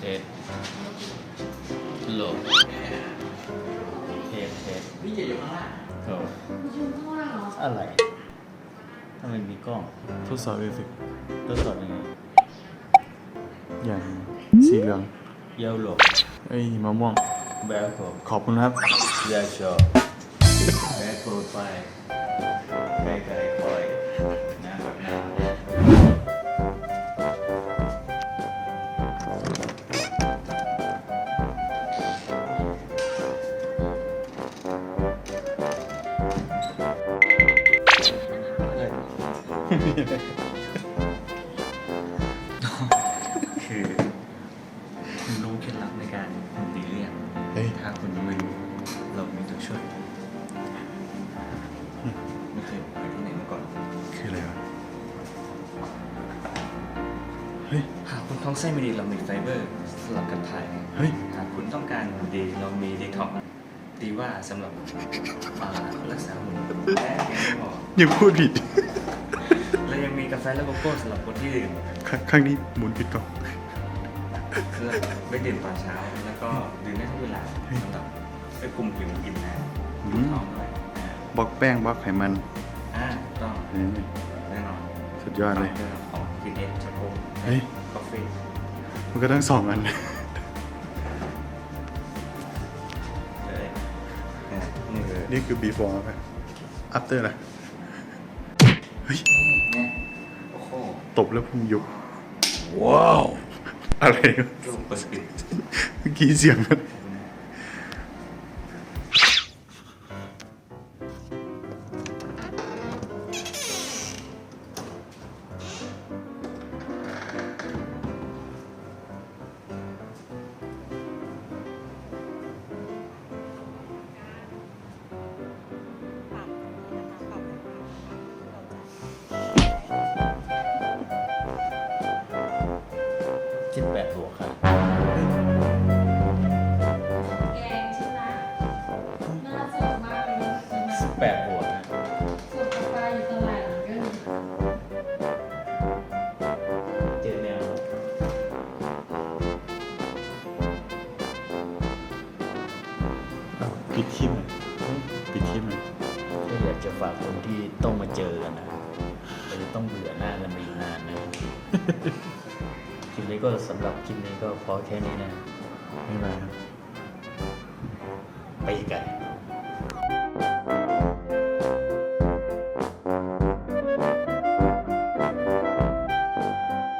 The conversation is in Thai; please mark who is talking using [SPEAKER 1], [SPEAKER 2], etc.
[SPEAKER 1] เทสโหลดเทส
[SPEAKER 2] พี่จะอยู่ข้างล่าง
[SPEAKER 1] โอ้
[SPEAKER 3] อยู่ข้างล่างเหรอ
[SPEAKER 1] อะไรทำไมมีกล้อง
[SPEAKER 4] ทดสอบมิวสิก
[SPEAKER 1] ทดสอบยังไง
[SPEAKER 4] อย่างสีเหลือง
[SPEAKER 1] เยลโล่
[SPEAKER 4] เอ้ยมะม่วง
[SPEAKER 1] แบล็คโค
[SPEAKER 4] ขอบคุณครับ
[SPEAKER 1] ยาชอแบล็คโคไปไกลๆคอยนะครับนะคือคุณรู้เคล็ดลับในการทำดีหรือยัง
[SPEAKER 4] เฮ้ย
[SPEAKER 1] ถ้าคุณยังไม่รู้เรามีตัวช่วยไม่เคยไปที่ไหนมาก่อน
[SPEAKER 4] คืออะไรวะ เฮ้ย
[SPEAKER 1] หากคุณท้องไส้ไม่ดีเรามีไฟเบอร์สำหรับการถ่าย
[SPEAKER 4] เฮ้ย
[SPEAKER 1] หากคุณต้องการหุ่นดีเรามีดีท็อกดีว่าสำหรับรักษาหุ่นและยังไม่พอ
[SPEAKER 4] ยังพูดผิด
[SPEAKER 1] เรายังมีกาแฟและโกโก้สำหรับคนที่ดื่ม
[SPEAKER 4] ครั้งนี้หมุนผิดกล่อง
[SPEAKER 1] เพื่อไม่ดื่มตอนเช้าแล้วก็ดื่มได้ทุกเวลาสำหรับไปคุมผิวกินนะ
[SPEAKER 4] อืม
[SPEAKER 1] ท้องด้วย
[SPEAKER 4] บล็อกแป้งบล็อกไขมัน
[SPEAKER 1] ถูกต้อง
[SPEAKER 4] เฮ้ย
[SPEAKER 1] แน่นอน
[SPEAKER 4] สุดยอดเลย
[SPEAKER 1] ของกินเองช็อกโก
[SPEAKER 4] เฮ้ย
[SPEAKER 1] กาแฟ
[SPEAKER 4] มันก็ต้องสองอัน
[SPEAKER 1] เลยนี่คือ
[SPEAKER 4] นี่คือ before ครับ after นะเฮ้ย
[SPEAKER 1] เนี่ยโอ้โห
[SPEAKER 4] ตบแล้วพุงยุบ ว้าว อะไรวะ
[SPEAKER 1] รูปเปิดปิด
[SPEAKER 4] เมื่อกี้เสียงมัน
[SPEAKER 1] 18 บวกครับ
[SPEAKER 3] แกงใช่ไหมน่าสดมากเลยนะใช่ไหม
[SPEAKER 1] 18 บวกนะ
[SPEAKER 3] สดกาแฟอยู่ตลาดเหมือนกัน
[SPEAKER 1] เจอแนวครับ
[SPEAKER 4] ปิดคลิปหน่อยปิดคลิปหน่อย
[SPEAKER 1] ก็อยากจะฝากคนที่ต้องมาเจอกันนะเราจะต้องเบื่อหน้ากันไปอีกนานนะ คลิปนี้ก็สำหรับคลิปนี้ก็พอแค่นี้นะ
[SPEAKER 4] บ๊ายบายครับ
[SPEAKER 1] ไปกัน